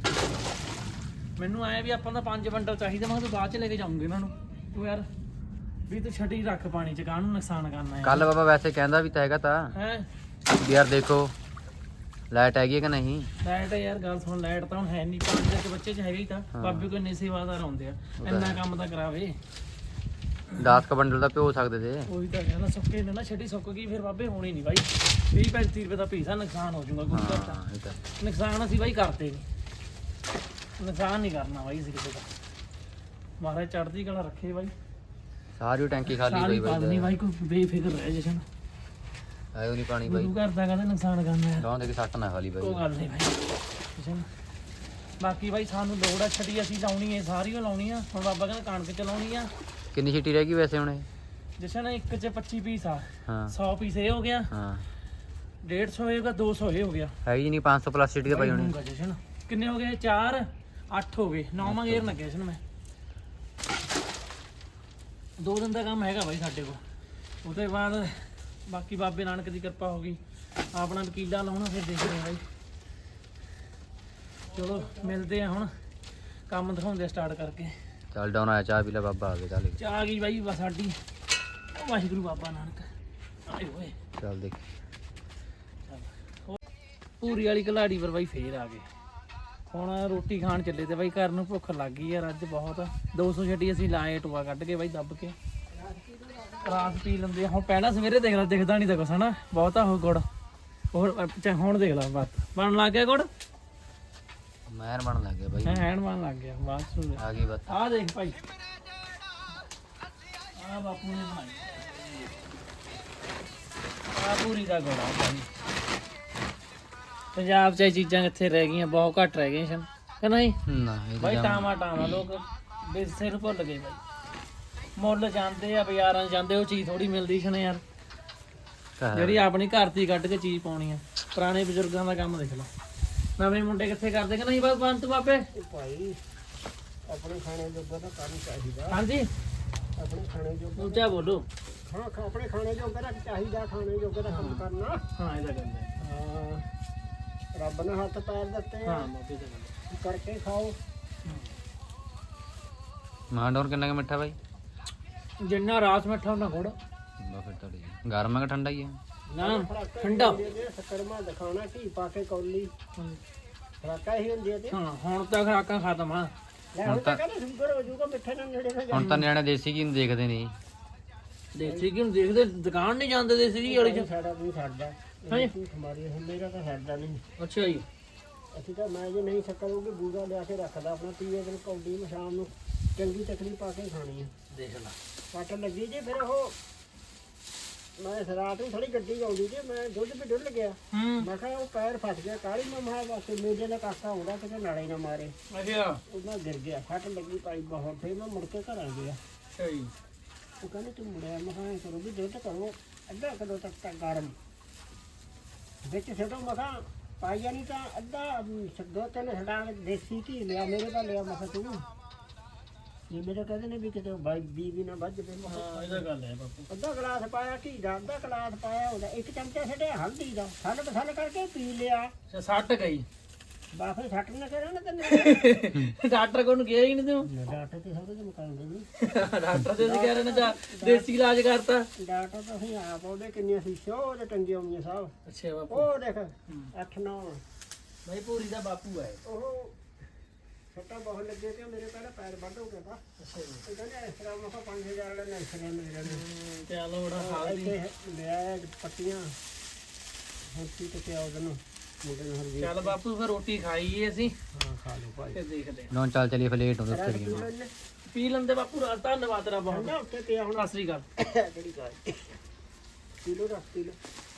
Speaker 1: ਮੈਨੂੰ ਆਇਆ ਵੀ ਆਪਾਂ ਦਾ ਪੰਜ ਬੰਡਲ ਚਾਹੀਦਾ, ਮੈਂ ਕਿਹਾ ਤੂੰ ਬਾਅਦ ਚ ਲੈ ਕੇ ਜਾਊਂਗੇ ਇਹਨਾਂ ਨੂੰ। ਤੂੰ ਯਾਰ ਵੀ ਤੂੰ ਛੱਡੀ ਰੱਖ ਪਾਣੀ ਚ, ਕਾਹਨੂੰ ਨੁਕਸਾਨ ਕਰਨਾ ਹੈ।
Speaker 5: ਕੱਲ ਬਾਬਾ ਵੈਸੇ ਕਹਿੰਦਾ ਵੀ ਤਾਂ ਹੈਗਾ ਤਾਂ
Speaker 1: ਹੈ
Speaker 5: ਵੀ ਯਾਰ ਦੇਖੋ ਲਾਈਟ ਹੈਗੀ ਹੈ ਕਿ ਨਹੀਂ।
Speaker 1: ਲਾਈਟ ਯਾਰ ਗੱਲ ਸੁਣ, ਲਾਈਟ ਤਾਂ ਹੁਣ ਹੈ ਨਹੀਂ, ਪੰਜ ਦੇ ਬੱਚੇ ਚ ਹੈਗਾ ਹੀ ਤਾਂ। ਬਾਬੇ ਕੋਲ ਇੰਨੇ ਸੇਵਾਦਾਰ ਆਉਂਦੇ ਆ, ਇੰਨਾ ਕੰਮ ਤਾਂ ਕਰਾਵੇ।
Speaker 5: ਦਸ ਕ ਬੰਡਲ ਦਾ ਪਿਓ ਸਕਦੇ ਤੇ।
Speaker 1: ਉਹੀ ਤਾਂ ਕਹਿੰਦਾ ਸੁੱਕੇ ਨੇ ਨਾ, ਛੱਡੀ ਸੁੱਕ ਗਈ ਫਿਰ ਬਾਬੇ ਹੋਣੀ ਨਹੀਂ ਬਾਈ। ਵੀਹ ਪੈਂਤੀ ਰੁਪਏ ਦਾ ਪੀਸਾ ਨੁਕਸਾਨ ਹੋ ਜਾਊਗਾ ਗੁਰੂ ਘਰ ਦਾ।
Speaker 5: ਹਾਂ ਇਹ ਤਾਂ
Speaker 1: ਨੁਕਸਾਨ ਅਸੀਂ ਬਾਈ ਕਰਦੇ ਨਹੀਂ, ਨੁਕਸਾਨ ਨਹੀਂ ਕਰਨਾ ਬਾਈ ਅਸੀਂ ਕਿਸੇ ਦਾ। ਮਹਾਰਾਜ ਚੜ੍ਹਦੀ ਕਲਾ ਰੱਖੇ ਬਾਈ।
Speaker 5: ਸਾਰੀ ਟੈਂਕੀ ਖਾਲੀ
Speaker 1: ਸਾਰੀ
Speaker 5: ਹੋਈ
Speaker 1: ਪਾ ਦੇਣੀ ਬਾਈ, ਕੋਈ ਬੇਫਿਕਰ ਰਹਿ ਜਸ਼ਨ।
Speaker 5: ਆਇਓ ਨਹੀਂ ਪਾਣੀ ਬਾਈ।
Speaker 1: ਗੁਰੂ ਘਰ ਦਾ ਕਹਿੰਦਾ ਨੁਕਸਾਨ ਕਰਨਾ ਹੈ,
Speaker 5: ਗਾਂ ਦੇ ਕੇ ਸੱਟ ਨਾ ਖਾਲੀ
Speaker 1: ਕੋਈ
Speaker 5: ਬਾਈ।
Speaker 1: ਗੱਲ ਨਹੀਂ ਬਾਈ ਜਸ਼ਨ। ਬਾਕੀ ਬਾਈ ਸਾਨੂੰ ਲੋੜ ਆ ਛੱਡੀ, ਅਸੀਂ ਲਾਉਣੀ ਹੈ, ਸਾਰੀ ਉਹ ਲਾਉਣੀ ਆ। ਹੁਣ ਬਾਬਾ ਕਹਿੰਦਾ ਕਣਕ ਚ ਲਾਉਣੀ ਆ।
Speaker 5: ਕਿੰਨੀ ਛਿੱਟੀ ਰਹਿ ਗਈ ਵੈਸੇ ਹੁਣ ਇਹ?
Speaker 1: ਜਸ਼ਨ ਇੱਕ ਚ ਪੱਚੀ ਪੀਸ ਆ,
Speaker 5: ਹਾਂ
Speaker 1: ਸੌ ਪੀਸ ਇਹ ਹੋ ਗਿਆ,
Speaker 5: ਹਾਂ
Speaker 1: ਡੇਢ ਸੌ ਹੋਏਗਾ, ਦੋ ਸੌ ਇਹ ਹੋ ਗਿਆ।
Speaker 5: ਹੈਗੀ ਨਹੀਂ ਪੰਜ ਸੌ ਪਲੱਸ ਛਿੱਟੀ ਤਾਂ ਪਈ ਹੋਣੀ।
Speaker 1: ਹੋਊਗਾ ਜਸ਼ਨ। ਕਿੰਨੇ ਹੋ ਗਏ? ਚਾਰ ਅੱਠ ਹੋ ਗਏ, ਨੌਵਾਂ ਗੇਰ ਲੱਗਿਆ ਜਸ਼ਨ। ਮੈਂ ਦੋ ਦਿਨ ਦਾ ਕੰਮ ਹੈਗਾ ਬਾਈ ਸਾਡੇ ਕੋਲ। ਉਹਦੇ ਬਾਅਦ ਬਾਕੀ ਬਾਬੇ ਨਾਨਕ ਦੀ ਕਿਰਪਾ ਹੋ ਗਈ, ਆਪਣਾ ਵਕੀਲਾ ਲਾਉਣਾ, ਫਿਰ ਦੇਖਦੇ ਹਾਂ ਬਾਈ। ਚਲੋ ਮਿਲਦੇ ਆ ਹੁਣ, ਕੰਮ ਦਿਖਾਉਂਦੇ ਸਟਾਰਟ ਕਰਕੇ।
Speaker 5: ਚੱਲ ਡਾਉਨ ਆਇਆ, ਚਾਹ ਪੀ ਲੈ ਬਾਬਾ ਆ ਗਿਆ ਚੱਲ।
Speaker 1: ਚਾਹ ਆ ਗਈ ਬਾਈ ਬਸ ਸਾਡੀ। ਵਾਹਿਗੁਰੂ ਬਾਬਾ ਨਾਨਕ ਆਏ ਹੋਏ।
Speaker 5: ਚੱਲ ਦੇਖ
Speaker 1: ਪੂਰੀ ਵਾਲੀ ਕਲਾੜੀ ਪਰ ਬਾਈ ਫੇਰ ਆ ਗਏ। ਹੁਣ ਰੋਟੀ ਖਾਣ ਚੱਲੇ ਤੇ ਬਾਈ, ਘਰ ਨੂੰ ਭੁੱਖ ਲੱਗ ਗਈ ਯਾਰ ਅੱਜ ਬਹੁਤ। ਦੋ ਸੌ ਛੱਡੀ ਅਸੀਂ ਲਾਏ, ਟੋਆ ਕੱਢ ਕੇ ਬਾਈ ਦੱਬ ਕੇ ਰਾਤ ਪੀ ਲੈਂਦੇ ਆ। ਹੁਣ ਪਹਿਲਾਂ ਸਵੇਰੇ ਦੇਖ ਲੈ, ਦਿਖਦਾ ਨਹੀਂ ਤਾਂ ਕੁਛ ਹਨਾ, ਬਹੁਤਾ ਹੋ ਗੁੜ। ਹੋਰ ਅੱਛਾ ਹੁਣ ਦੇਖ ਲੈ ਬਸ ਬਣ ਲੱਗ ਗਿਆ ਗੁੜ,
Speaker 5: ਮਹਿਰ ਬਣ ਲੱਗ ਗਿਆ ਬਾਈ।
Speaker 1: ਹੈ ਹੈਣ ਬਣ ਲੱਗ ਗਿਆ ਬਸ।
Speaker 5: ਆ ਗਈ ਬਸ।
Speaker 1: ਆਹ ਦੇਖ ਭਾਈ, ਆਹ ਬਾਪੂ ਨੇ ਬਣਾਈ। ਆ ਪੂਰੀ ਦਾ ਗੋਲਾ ਭਾਈ ਪੰਜਾਬ 'ਚ ਇਹ ਚੀਜ਼ਾਂ ਕਿੱਥੇ ਰਹਿ ਗਈਆਂ, ਬਹੁਤ ਘੱਟ ਰਹਿ ਗਈਆਂ ਸਨ ਕਿ ਨਹੀਂ
Speaker 5: ਨਾ ਇਹ
Speaker 1: ਬਾਈ।
Speaker 5: ਤਾਂ
Speaker 1: ਟਾਵਾਂ ਟਾਵਾਂ ਲੋਕ ਵਿਰਸੇ ਨੂੰ ਭੁੱਲ ਗਏ ਬਾਈ। ਮੁੱਲ ਜਾਂਦੇ ਆ ਬਾਜ਼ਾਰਾਂ 'ਚ ਜਾਂਦੇ, ਉਹ ਚੀਜ਼ ਥੋੜੀ ਮਿਲਦੀ ਸਨ ਯਾਰ,
Speaker 5: ਘਰ-
Speaker 1: ਜਿਹੜੀ ਆਪਣੀ ਘਰ ਦੀ ਕੱਢ ਕੇ ਚੀਜ਼ ਪਾਉਣੀ ਆ। ਪੁਰਾਣੇ ਬਜ਼ੁਰਗਾਂ ਦਾ ਕੰਮ ਦੇਖ ਲਓ, ਨਵੇਂ ਮੁੰਡੇ ਕਿੱਥੇ ਕਰਦੇ ਕਿ ਨਹੀਂ। ਬਸ ਬੰਤ ਬਾਪੇ
Speaker 4: ਇਹ ਭਾਈ ਆਪਣੇ ਖਾਣੇ ਜੋਗਾ ਤਾਂ ਕੰਮ ਚਾਹੀਦਾ,
Speaker 1: ਹਾਂਜੀ
Speaker 4: ਆਪਣੇ ਖਾਣੇ ਜੋਗਾ
Speaker 1: ਉੱਚਾ ਬੋਲੋ।
Speaker 4: ਹਾਂ ਖਾ- ਆਪਣੇ ਖਾਣੇ ਜੋਗਾ ਤਾਂ ਚਾਹੀਦਾ, ਖਾਣੇ ਜੋਗਾ ਤਾਂ ਕੰਮ ਕਰਨਾ।
Speaker 1: ਹਾਂ ਇਹਦਾ ਗੱਲ ਹੈ।
Speaker 4: ਹਾਂ ਰੱਬ ਨੇ ਹੱਥ ਪੈਰ ਦਿੱਤੇ ਆ,
Speaker 1: ਹਾਂ ਬਾਪੇ ਦਾ ਗੱਲ
Speaker 4: ਕਰਕੇ ਖਾਓ।
Speaker 5: ਮਾਂ ਡੋਰ ਕਿੰਨਾ ਕੁ ਮਿੱਠਾ ਬਾਈ?
Speaker 1: ਹੈ। ਜਿੰਨਾ ਰਾਸ ਮਿੱਠਾ ਉਹਨਾਂ ਗੁੜ
Speaker 5: ਬਾ ਫਿਰ ਤਾਂ ਠੀਕ। ਗਰਮ ਹੈ ਕਿ ਠੰਡਾ ਹੀ ਹੈ?
Speaker 1: ਨਾ ਠੰਡਾ।
Speaker 4: ਸਕਰਮਾ ਦਿਖਾਉਣਾ ਘੀ ਪਾ ਕੇ ਕੌਲੀ ਖਰਾਕਾ ਹੀ ਹੁੰਦੀ ਤੇ
Speaker 1: ਹਾਂ ਹੁਣ ਤਾਂ ਖਰਾਕਾਂ ਖਤਮ ਆ।
Speaker 4: ਲੈ ਹੁਣ ਤਾਂ ਕਹਿੰਦੇ ਸ਼ੂਗਰ ਹੋ ਜਾਊਗਾ ਮਿੱਠੇ ਨਾਲ ਨੇੜੇ ਹੋ
Speaker 5: ਹੁਣ ਤਾਂ ਨਿਆਣੇ ਦੇਸੀ ਕੀ ਨੂੰ ਦੇਖਦੇ ਨਹੀਂ।
Speaker 1: ਦੇਸੀ ਘੀ ਨੂੰ ਦੇਖਦੇ, ਦੁਕਾਨ ਨਹੀਂ ਜਾਂਦੇ ਦੇਸੀ ਘੀ ਵਾਲੀ ਚ।
Speaker 4: ਸਾਡਾ ਨਹੀਂ ਛੱਡਦਾ
Speaker 1: ਹਾਂਜੀ।
Speaker 4: ਹਮਾਰੀ ਮੇਰਾ ਤਾਂ ਛੱਡਦਾ ਨਹੀਂ।
Speaker 1: ਅੱਛਾ ਜੀ।
Speaker 4: ਅਸੀਂ ਤਾਂ ਮੈਂ ਜੇ ਨਹੀਂ ਸ਼ੱਕਰ ਹੋਊਗੀ ਬੂਗਾ ਲਿਆ ਕੇ ਰੱਖਦਾ ਆਪਣਾ, ਤੀਏ ਦਿਨ ਕੌਡੀ ਨੂੰ ਸ਼ਾਮ ਨੂੰ ਚੰਗੀ ਤਕਲੀ ਪਾ ਕੇ ਖਾਣੀ ਆ।
Speaker 1: ਦੇਖ ਲਾ
Speaker 4: ਕੱਟ ਲੱਗੀ ਜੀ ਫਿਰ ਉਹ ਮੈਂ ਰਾਤ ਨੂੰ ਥੋੜੀ ਗੱਡੀ ਆਉਂਦੀ ਜੀ, ਮੈਂ ਦੁੱਧ ਵੀ ਡੁੱਲ ਗਿਆ।
Speaker 1: ਹੂੰ
Speaker 4: ਮੈਂ ਕਿਹਾ ਉਹ ਪੈਰ ਫਸ ਗਿਆ ਕਾਲੀ ਮੈਂ ਮਹਾ ਵਾਸਤੇ ਮੇਰੇ ਨਾਲ ਕਾਕਾ ਆਉਂਦਾ ਕਿਤੇ ਨਾਲੇ ਨਾ ਮਾਰੇ,
Speaker 1: ਅੱਛਾ
Speaker 4: ਉਹਨਾਂ ਗਿਰ ਗਿਆ, ਫੱਟ ਲੱਗੀ ਪਾਈ ਬਹੁਤ। ਫਿਰ ਮੈਂ ਮੁੜ ਕੇ ਘਰ ਆ ਗਿਆ।
Speaker 1: ਅੱਛਾ ਜੀ।
Speaker 4: ਉਹ ਕਹਿੰਦੇ ਤੂੰ ਮੁੜਿਆ, ਮੈਂ ਕਿਹਾ ਐਂ ਕਰੋ ਵੀ ਦੁੱਧ ਕਰੋ ਅੱਧਾ ਕਿਲੋ ਤੱਕ ਤਾਂ ਗਰਮ ਵਿੱਚ ਛੱਡੋ। ਮੈਂ ਕਿਹਾ ਪਾਈਆ ਨਹੀਂ ਤਾਂ ਅੱਧਾ ਅਮ, ਦੋ ਤਿੰਨ ਛਡਾ ਕੇ ਦੇਸੀ ਘੀ ਲਿਆ, ਮੇਰੇ ਦਾ ਲਿਆ। ਮੈਂ ਕਿਹਾ ਤੂੰ ਇਹ ਮੇਰੇ ਕਹਿੰਦੇ ਨੇ ਵੀ ਕਿਤੇ ਬਾਈ ਬੀ ਵੀ ਨਾ ਵੱਜ ਪਏ। ਮੈਂ ਕਿਹਾ
Speaker 1: ਹਾਂ ਇਹਦਾ ਗੱਲ ਹੈ ਬਾਪੂ।
Speaker 4: ਅੱਧਾ ਗਲਾਸ ਪਾਇਆ ਘੀ ਦਾ, ਅੱਧਾ ਗਲਾਸ ਪਾਇਆ ਉਹਦਾ, ਇੱਕ ਚਮਚਾ ਛੱਡਿਆ ਹਲਦੀ ਦਾ, ਥੱਲ ਬਸਲ ਕਰਕੇ ਪੀ ਲਿਆ।
Speaker 1: ਅੱਛਾ ਸੱਟ ਗਈ।
Speaker 4: ਬਾਫੇ ਛੱਟ ਨਾ ਕਰਾਂ ਨਾ ਤੈਨੂੰ
Speaker 1: ਡਾਕਟਰ ਕੋਲ ਨੂੰ ਗਿਆ ਹੀ ਨਹੀਂ ਤੂੰ।
Speaker 4: ਡਾਕਟਰ ਤੇ ਸਾਰੇ ਮੁਕਾਉਂਦੇ ਨਹੀਂ।
Speaker 1: ਡਾਕਟਰ ਦੇ ਸੀ ਕਹਿ ਰਹੇ ਨੇ ਤਾਂ ਦੇਸੀ ਇਲਾਜ ਕਰਤਾ।
Speaker 4: ਡਾਕਟਰ ਤਾਂ ਅਸੀਂ ਆਪ ਉਹਦੇ ਕਿੰਨੀਆਂ ਸ਼ੀਸ਼ੋ ਉਹਦੇ ਟੰਗੇ ਹੋਈਆਂ ਸਾਹਿਬ।
Speaker 1: ਅੱਛਾ ਬਾਪੂ।
Speaker 4: ਉਹ ਦੇਖ ਅੱਠ ਨੌ
Speaker 1: ਭਾਈ ਪੂਰੀ ਦਾ ਬਾਪੂ ਹੈ।
Speaker 4: ਉਹ ਸੱਟਾਂ ਬਹੁਤ ਲੱਗੇ ਤੇ ਮੇਰੇ ਪਹਿਲਾਂ ਪੈਰ ਵੱਢ ਹੋ ਗਿਆ ਤਾਂ।
Speaker 1: ਅੱਛਾ ਜੀ।
Speaker 4: ਉਹ ਕਹਿੰਦੇ ਇਸ ਤਰ੍ਹਾਂ ਮੈਂ ਕਿਹਾ ਪੰਜ ਹਜ਼ਾਰ ਵਾਲੇ ਨੈਸਰੇ ਮੇਰੇ ਨੇ
Speaker 1: ਚਲੋ ਬੜਾ ਹਾਲ ਦੀ।
Speaker 4: ਇੱਥੇ ਲਿਆ ਪੱਟੀਆਂ ਹੁਣ ਕੀ ਤੇ ਉਹਦੇ ਨੂੰ ਮੁੰਡੇ ਨੂੰ ਹਰਜੀ।
Speaker 1: ਚੱਲ ਬਾਪੂ ਫਿਰ ਰੋਟੀ ਖਾਈਏ ਅਸੀਂ,
Speaker 4: ਹਾਂ ਖਾ ਲਓ ਭਾਈ।
Speaker 1: ਫਿਰ ਦੇਖਦੇ
Speaker 5: ਨੌ ਚੱਲ ਚਲੀਏ ਫਿਰ ਲੇਟ ਹੋ
Speaker 4: ਰਾਤ
Speaker 5: ਉੱਤੇ
Speaker 4: ਪੀ ਲੈਣੇ
Speaker 1: ਆ। ਪੀ ਲੈਂਦੇ ਬਾਪੂ, ਰਾਤ ਧੰਨਵਾਦ ਤੇਰਾ ਬਹੁਤ।
Speaker 4: ਠੰਡਾ ਉੱਤੇ ਪਿਆ ਹੁਣ।
Speaker 1: ਸਤਿ ਸ੍ਰੀ ਅਕਾਲ।
Speaker 4: ਕਿਹੜੀ ਗੱਲ ਕਿਲੋ ਰੱਖ ਕਿਲੋ।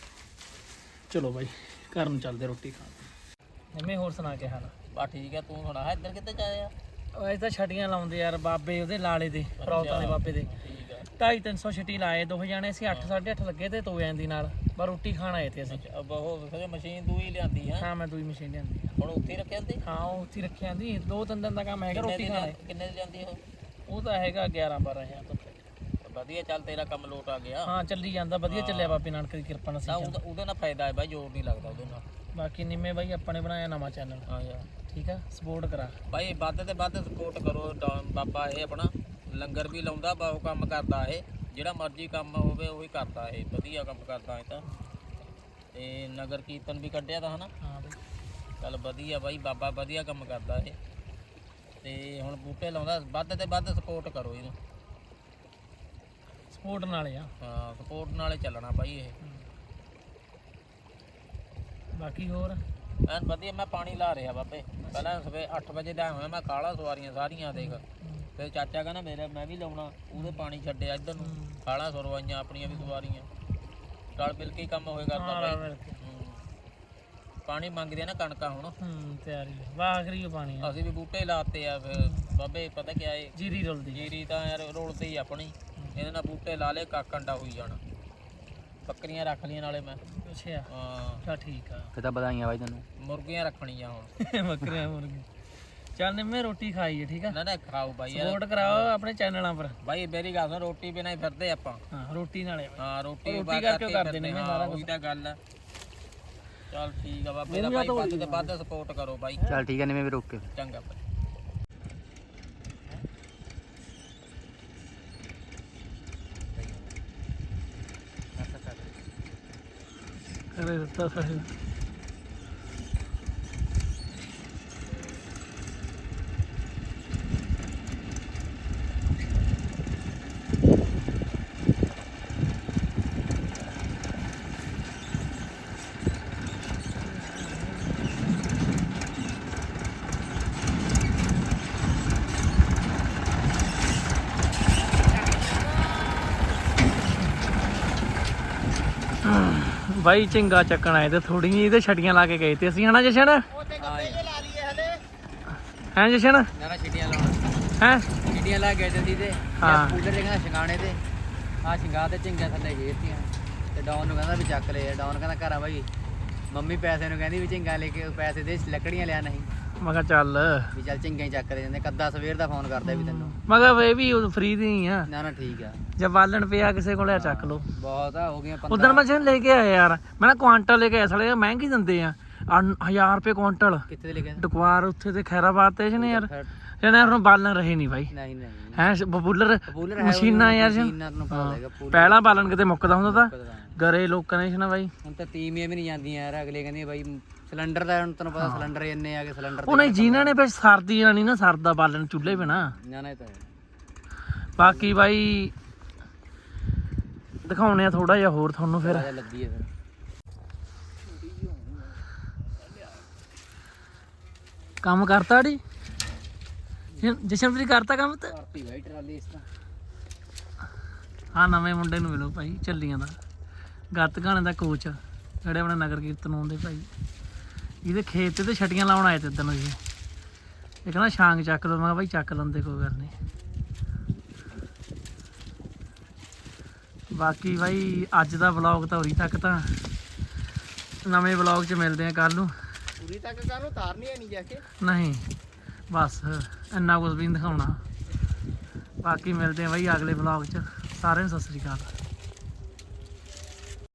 Speaker 1: ਚਲੋ ਬਾਈ ਘਰ ਨੂੰ ਚੱਲਦੇ ਰੋਟੀ ਖਾਣ। ਮੰਮੀ ਹੋਰ ਸੁਣਾ ਕੇ ਹਾਲ?
Speaker 2: ਬਾ ਠੀਕ ਆ, ਤੂੰ ਸੁਣਾ ਇੱਧਰ ਕਿੱਥੇ ਜਾਇਆ?
Speaker 1: ਉਹ ਇਹ ਤਾਂ ਛਟੀਆਂ ਲਾਉਂਦੇ ਯਾਰ ਬਾਬੇ ਉਹਦੇ ਲਾਲੇ ਦੇ, ਰੌਤਾਂ ਦੇ ਬਾਬੇ ਦੇ। ਢਾਈ ਤਿੰਨ ਸੌ ਛਟੀ ਲਾਏ, ਦੋ ਜਾਣੇ ਸੀ, ਅੱਠ ਸਾਢੇ ਅੱਠ ਲੱਗੇ ਤੇ ਤੋ ਜਾਂਦੀ ਨਾਲ। ਪਰ ਰੋਟੀ ਖਾਣ ਆਏ ਤੇ ਅਸੀਂ।
Speaker 2: ਅਬ ਉਹ ਫਿਰ ਮਸ਼ੀਨ ਤੂੰ ਹੀ ਲਿਆਂਦੀ ਹੈ?
Speaker 1: ਹਾਂ ਮੈਂ ਦੂਈ ਮਸ਼ੀਨ ਲਿਆਂਦੀ।
Speaker 2: ਹੁਣ ਉੱਥੇ ਹੀ ਰੱਖਿਆ ਹੁੰਦੀ?
Speaker 1: ਹਾਂ ਉਹ ਉੱਥੇ ਹੀ ਰੱਖਿਆ ਦੀ, ਦੋ ਤਿੰਨ ਦਿਨ ਦਾ ਕੰਮ ਹੈਗਾ ਰੋਟੀ ਖਾਣਾ।
Speaker 2: ਕਿੰਨੇ ਦੀ ਲਿਆਂਦੀ ਉਹ?
Speaker 1: ਉਹ ਤਾਂ ਹੈਗਾ ਗਿਆਰਾਂ ਬਾਰਾਂ ਹਜ਼ਾਰ ਤੋਂ।
Speaker 2: ਵਧੀਆ, ਚੱਲ ਤੇਰਾ ਕੰਮ ਲੋਟ ਆ ਗਿਆ।
Speaker 1: ਹਾਂ ਚੱਲੀ ਜਾਂਦਾ ਵਧੀਆ ਚੱਲਿਆ ਬਾਬੇ ਨਾਨਕ ਦੀ ਕਿਰਪਾ ਨਾਲ।
Speaker 2: ਤਾਂ ਉਹਦਾ ਉਹਦੇ ਨਾਲ ਫਾਇਦਾ ਹੈ ਬਾਈ, ਜ਼ੋਰ ਨਹੀਂ ਲੱਗਦਾ ਉਹਦੇ ਨਾਲ।
Speaker 1: ਬਾਕੀ ਨਿੰਮੇ ਬਾਈ ਆਪਾਂ ਨੇ ਬਣਾਇਆ ਨਵਾਂ ਚੈਨਲ,
Speaker 2: ਹਾਂ ਯਾਰ
Speaker 1: ਠੀਕ ਆ, ਸਪੋਰਟ ਕਰਾ
Speaker 2: ਬਾਈ, ਵੱਧ ਤੇ ਵੱਧ ਸਪੋਰਟ ਕਰੋ। ਡਾ- ਬਾਬਾ ਇਹ ਆਪਣਾ ਲੰਗਰ ਵੀ ਲਾਉਂਦਾ, ਬਹੁਤ ਕੰਮ ਕਰਦਾ ਇਹ, ਜਿਹੜਾ ਮਰਜ਼ੀ ਕੰਮ ਹੋਵੇ ਉਹੀ ਕਰਦਾ ਇਹ, ਵਧੀਆ ਕੰਮ ਕਰਦਾ ਇਹ ਤਾਂ। ਤੇ ਨਗਰ ਕੀਰਤਨ ਵੀ ਕੱਢਿਆ ਤਾਂ ਹਨਾ।
Speaker 1: ਹਾਂ ਬਾਈ
Speaker 2: ਚੱਲ ਵਧੀਆ ਬਾਈ, ਬਾਬਾ ਵਧੀਆ ਕੰਮ ਕਰਦਾ ਇਹ। ਤੇ ਹੁਣ ਬੂਟੇ ਲਾਉਂਦਾ, ਵੱਧ ਤੇ ਵੱਧ ਸਪੋਰਟ ਕਰੋ ਇਹਨੂੰ।
Speaker 1: ਸਪੋਰਟ ਨਾਲੇ ਆ।
Speaker 2: ਹਾਂ ਸਪੋਰਟ ਨਾਲੇ ਚੱਲਣਾ ਬਾਈ ਇਹ।
Speaker 1: ਬਾਕੀ ਹੋਰ
Speaker 2: ਐਨ ਵਧੀਆ। ਮੈਂ ਪਾਣੀ ਲਾ ਰਿਹਾ ਬਾਬੇ, ਪਹਿਲਾਂ ਸਵੇਰੇ ਅੱਠ ਵਜੇ ਦਾ ਹੋਇਆ, ਮੈਂ ਕਾਲਾ ਸਵਾਰੀਆਂ ਸਾਰੀਆਂ ਦੇਖ। ਫਿਰ ਚਾਚਾ ਕਹਿੰਦਾ ਮੇਰੇ ਮੈਂ ਵੀ ਲਾਉਣਾ, ਉਹਦੇ ਪਾਣੀ ਛੱਡਿਆ ਇੱਧਰ ਨੂੰ, ਕਾਲਾ ਸਰਵਾਈਆਂ ਆਪਣੀਆਂ ਵੀ ਸਵਾਰੀਆਂ, ਰਲ ਮਿਲ ਕੇ ਹੀ ਕੰਮ ਹੋਏ ਕਰਦਾ ਬਾਈ। ਹੂੰ। ਪਾਣੀ ਮੰਗਦੇ ਆ ਨਾ ਕਣਕਾਂ ਹੁਣ।
Speaker 1: ਹੂੰ ਤਿਆਰੀ ਆ, ਵਾਖਰੀ ਪਾਣੀ ਆ।
Speaker 2: ਅਸੀਂ ਵੀ ਬੂਟੇ ਲਾਤੇ ਆ ਫਿਰ ਬਾਬੇ, ਪਤਾ ਕਿਆ ਏ,
Speaker 1: ਜੀਰੀ ਰੁਲਦੀ।
Speaker 2: ਜੀਰੀ ਤਾਂ ਯਾਰ ਰੋਲਦੀ ਹੀ ਆਪਣੀ, ਇਹਦੇ ਨਾਲ ਬੂਟੇ ਲਾ ਲੇ, ਕਾਕੰਡਾ ਹੋਈ ਜਾਣਾ। ਬੱਕਰੀਆਂ ਰੱਖ ਲਈਆਂ ਨਾਲੇ ਮੈਂ।
Speaker 1: ਅੱਛਾ
Speaker 2: ਹਾਂ
Speaker 1: ਚਾ ਠੀਕ ਆ।
Speaker 5: ਫਿਰ ਤਾਂ ਵਧਾਈਆਂ ਬਾਈ ਤੈਨੂੰ।
Speaker 2: ਮੁਰਗੀਆਂ ਰੱਖਣੀਆਂ ਹੁਣ।
Speaker 1: ਬੱਕਰੀਆਂ ਮੁਰਗੇ। ਚੱਲ ਨਿੰਮੇ ਰੋਟੀ ਖਾਈਏ, ਠੀਕ ਆ।
Speaker 2: ਨਾ ਨਾ ਖਾਓ ਬਾਈ ਯਾਰ।
Speaker 1: ਸਪੋਰਟ ਕਰਾਓ ਆਪਣੇ ਚੈਨਲਾਂ ਪਰ।
Speaker 2: ਬਾਈ ਮੇਰੀ ਗੱਲ ਸੁਣ, ਰੋਟੀ ਬਿਨਾਂ ਹੀ ਫਿਰਦੇ ਆਪਾਂ।
Speaker 1: ਹਾਂ ਰੋਟੀ ਨਾਲੇ
Speaker 2: ਹਾਂ ਰੋਟੀ
Speaker 1: ਰੋਟੀ
Speaker 2: ਬਾਅਦ
Speaker 1: ਕਰਕੇ
Speaker 2: ਕਰਕੇ
Speaker 1: ਕਰਦੇ ਨੇ
Speaker 2: ਫਿਰਦੇ,
Speaker 1: ਸਾਰਾ
Speaker 2: ਹਾਂ ਉਹੀ ਤਾਂ ਗੱਲ ਆ। ਚੱਲ ਠੀਕ ਆ ਬਾਬੇ ਦਾ
Speaker 1: ਮੂੰਹ
Speaker 2: ਬਾਈ,
Speaker 1: ਜਾਂ
Speaker 2: ਵੱਧ ਤੇ ਵੱਧ ਸਪੋਰਟ ਕਰੋ ਬਾਈ।
Speaker 5: ਚੱਲ ਠੀਕ ਹੈ ਨਿਵੇਂ ਵੀ ਰੋਕ ਕੇ।
Speaker 2: ਚੰਗਾ ਬਾਈ।
Speaker 1: ਅਰੇ ਦਿੱਤਾ ਸਾਹਿਬ। Ah. ਬਾਈ ਝਿੰਗਾ ਚੱਕਣ ਆਏ ਤੇ ਥੋੜੀ ਜਿਹੀ ਇਹਦੇ ਛਟੀਆਂ ਲਾ ਕੇ ਗਏ ਤੇ ਅਸੀਂ ਹਨਾ ਜਸ਼ਨ ਹੈ ਜਸ਼ਨ
Speaker 5: ਨਾ ਨਾ ਛਿਟੀਆਂ ਲਾਉਣਾ
Speaker 1: ਹੈ
Speaker 5: ਛਿਟੀਆਂ ਲਾ ਕੇ ਜਾਂਦੀ ਤੇ
Speaker 1: ਹਾਂ।
Speaker 5: ਕੂਲਰ ਦੇ ਕਹਿੰਦਾ ਛਿੰਗਾਣੇ ਤੇ ਆ ਛਿੰਗਾ ਤੇ ਝਿੰਗਾ ਥੱਲੇ ਗੇਰਤੀਆਂ ਤੇ ਡਾਊਨ ਨੂੰ ਕਹਿੰਦਾ ਵੀ ਚੱਕ ਲੈ ਡਾਊਨ ਕਹਿੰਦਾ ਘਰ ਆ ਬਾਈ ਮੰਮੀ ਪੈਸੇ ਨੂੰ ਕਹਿੰਦੀ ਵੀ ਝਿੰਗਾ ਲੈ ਕੇ ਪੈਸੇ ਦੇ ਲੱਕੜੀਆਂ ਲਿਆ ਨਹੀਂ
Speaker 1: ਮੈਂ ਕਿਹਾ ਚੱਲ
Speaker 5: ਵੀ ਚੱਲ ਝਿੰਗਾ ਹੀ ਚੱਕ ਲੈ ਜਾਂਦੇ ਕੱਦਾ ਸਵੇਰ ਦਾ ਫੋਨ ਕਰਦਾ ਵੀ ਤੈਨੂੰ
Speaker 1: ਮੈਂ ਕਿਹਾ ਇਹ ਵੀ ਫ੍ਰੀ ਦੀ ਹੀ ਆ
Speaker 5: ਨਾ ਨਾ ਠੀਕ ਆ
Speaker 1: ਜੇ ਬਾਲਣ ਪਿਆ ਕਿਸੇ ਕੋਲੇ ਆ ਚੱਕ ਲਓ
Speaker 5: ਬਹੁਤ ਆ ਹੋ ਗਈਆਂ
Speaker 1: ਉਦੋਂ ਮੈਂ ਜਸ਼ਨ ਲੈ ਕੇ ਆਇਆ ਯਾਰ ਮੈਂ ਨਾ ਕੁਆਂਟਲ ਲੈ ਕੇ ਆਇਆ ਸਾਲੇ ਮਹਿੰਗੀ ਦਿੰਦੇ ਆ ਹਜ਼ਾਰ ਰੁਪਏ ਕੁਆਂਟਲ
Speaker 5: ਕਿੱਥੇ ਤੇ ਲਿਖਿਆ
Speaker 1: ਡਕਵਾਰ ਉੱਥੇ ਤੇ ਖੈਰਾਬਾਦ ਤੇ ਜਨੇ ਯਾਰ ਇਹਨਾਂ ਨੂੰ ਬਾਲਣ ਰਹੇ ਨਹੀਂ ਬਾਈ
Speaker 5: ਨਹੀਂ ਨਹੀਂ
Speaker 1: ਹੈ ਬਬੂਲਰ
Speaker 5: ਪਪੂਲਰ ਹੈ
Speaker 1: ਮਸ਼ੀਨਾਂ ਯਾਰ ਜਨ
Speaker 5: ਮਸ਼ੀਨਾਂ ਨੂੰ ਪਤਾ ਹੈਗਾ ਪੂਰਾ
Speaker 1: ਪਹਿਲਾਂ ਬਾਲਣ ਕਿਤੇ ਮੁੱਕਦਾ ਹੁੰਦਾ ਤਾਂ ਗਰੇ ਲੋਕਾਂ ਨੇ ਜਨਾ ਬਾਈ
Speaker 5: ਹੁਣ ਤਾਂ ਤੀਵੀਆਂ ਵੀ ਨਹੀਂ ਜਾਂਦੀਆਂ ਯਾਰ ਅਗਲੇ ਕਹਿੰਦੇ ਬਾਈ ਸਿਲੰਡਰ ਦਾ ਹੁਣ ਤੈਨੂੰ ਪਤਾ ਸਿਲੰਡਰ ਇੰਨੇ ਆ ਕੇ ਸਿਲੰਡਰ
Speaker 1: ਉਹਨੇ ਜਿਨ੍ਹਾਂ ਨੇ ਫਿਰ ਸਰਦੀ ਨਹੀਂ ਨਾ ਸਰਦਾ ਬਾਲਣ ਚੁੱਲ੍ਹੇ ਬਿਨਾ
Speaker 5: ਨਾ ਨਾ ਇਹ ਤਾਂ ਹੈ
Speaker 1: ਬਾਕੀ ਬਾਈ ਦਿਖਾਉਣੇ ਆ ਥੋੜਾ ਜਿਹਾ ਹੋਰ ਤੁਹਾਨੂੰ ਫਿਰ
Speaker 5: ਰਾਜਾ ਲੱਦੀ ਹੈ ਫਿਰ
Speaker 1: ਕੰਮ ਕਰਤਾ ੜੀ ਜਸ਼ਨਪ੍ਰੀਤ ਕਰਤਾ ਕੰਮ ਤੇ
Speaker 5: ਕਰਤੀ ਬਾਈ ਟਰਾਲੀ ਇਸ ਤਾਂ
Speaker 1: ਆ ਨਵੇਂ ਮੁੰਡੇ ਨੂੰ ਮਿਲੋ ਭਾਈ ਚੱਲੀਆਂ ਦਾ ਗੱਤਗਾਣੇ ਦਾ ਕੋਚ ਜਿਹੜੇ ਆਪਣੇ ਨਗਰ ਕੀਰਤਨ ਆਉਂਦੇ ਭਾਈ ਇਹਦੇ ਖੇਤ ਤੇ ਤੇ ਛਟੀਆਂ ਲਾਉਣ ਆਏ ਤੇ ਇਦਾਂ ਨੂੰ ਜੀ ਇਹ ਕਹਿੰਦਾ ਛਾਂਗ ਚੱਕ ਲਓ ਮੈਂ ਕਿਹਾ ਭਾਈ ਚੱਕ ਲੈਂਦੇ ਕੋਈ ਗੱਲ ਨਹੀਂ ਬਾਕੀ ਭਾਈ ਅੱਜ ਦਾ ਵਲੌਗ ਤਾਂ ਉਰੀ ਤੱਕ ਤਾਂ ਨਵੇਂ ਵਲੌਗ 'ਚ ਮਿਲਦੇ ਆ ਕੱਲ ਨੂੰ
Speaker 5: ਪੂਰੀ ਤੱਕ ਕਾਹਨੂੰ ਤਾਰਨੀ ਹੈ ਨਹੀਂ ਜਾ ਕੇ
Speaker 1: ਨਹੀਂ ਬਸ ਇੰਨਾ ਕੁਝ ਵੀ ਨਹੀਂ ਦਿਖਾਉਣਾ ਬਾਕੀ ਮਿਲਦੇ ਆ ਭਾਈ ਅਗਲੇ ਵਲੌਗ 'ਚ ਸਾਰਿਆਂ ਨੂੰ ਸਤਿ ਸ੍ਰੀ ਅਕਾਲ